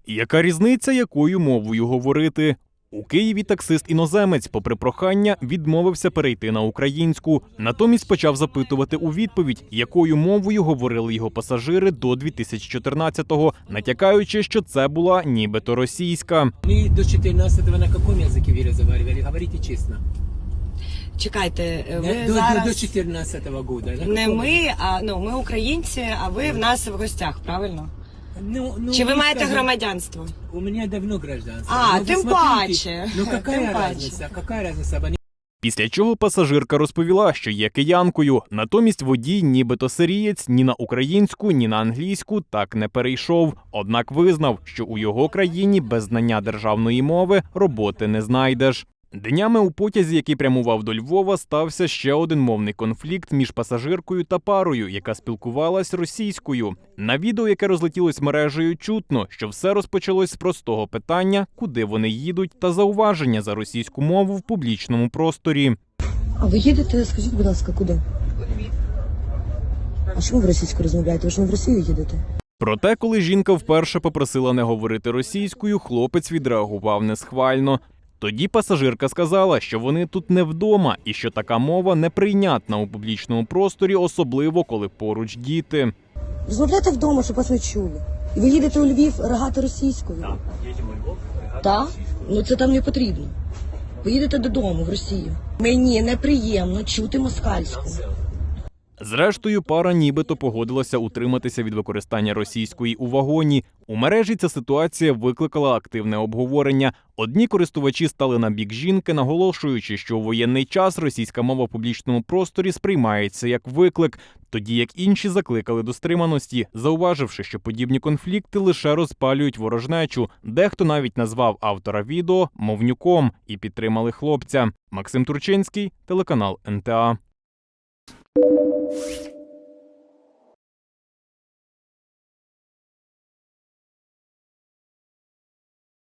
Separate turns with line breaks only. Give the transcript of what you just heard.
Яка різниця, якою мовою говорити? У Києві таксист-іноземець, попри прохання, відмовився перейти на українську. Натомість почав запитувати у відповідь, якою мовою говорили його пасажири до 2014-го, натякаючи, що це була нібито російська.
Ми до 14-го на якому язикі ви розмовляли? Говорите чесно.
Чекайте, ви
До
зараз
14-го року.
не ми, а ми українці, а ви в нас в гостях, правильно? Чи ви маєте громадянство?
У мене давно гражданство.
А,
Ну,
тим
посмотрите.
паче.
Ну,
Тим
какая
паче.
разница? Какая разница?
Після чого пасажирка розповіла, що є киянкою. Натомість водій, нібито сирієць, ні на українську, ні на англійську так не перейшов. Однак визнав, що у його країні без знання державної мови роботи не знайдеш. Днями у потязі, який прямував до Львова, стався ще один мовний конфлікт між пасажиркою та парою, яка спілкувалась російською. На відео, яке розлетілось мережею, чутно, що все розпочалось з простого питання, куди вони їдуть, та зауваження за російську мову в публічному просторі.
А ви їдете, скажіть, будь ласка, куди? А чому ви російською розмовляєте? Ви ж не в Росію їдете?
Проте, коли жінка вперше попросила не говорити російською, хлопець відреагував несхвально. Тоді пасажирка сказала, що вони тут не вдома і що така мова неприйнятна у публічному просторі, особливо коли поруч діти.
Розмовляйте вдома, щоб вас не чули. І ви їдете у Львів ригати російською? Так, їдемо у Львов ригати російською. Так? Ну це там не потрібно. Ви їдете додому, в Росію. Мені неприємно чути москальську.
Зрештою, пара нібито погодилася утриматися від використання російської у вагоні. У мережі ця ситуація викликала активне обговорення. Одні користувачі стали на бік жінки, наголошуючи, що у воєнний час російська мова в публічному просторі сприймається як виклик, тоді як інші закликали до стриманості, зауваживши, що подібні конфлікти лише розпалюють ворожнечу. Дехто навіть назвав автора відео «мовнюком» і підтримали хлопця. Максим Турчинський, телеканал НТА.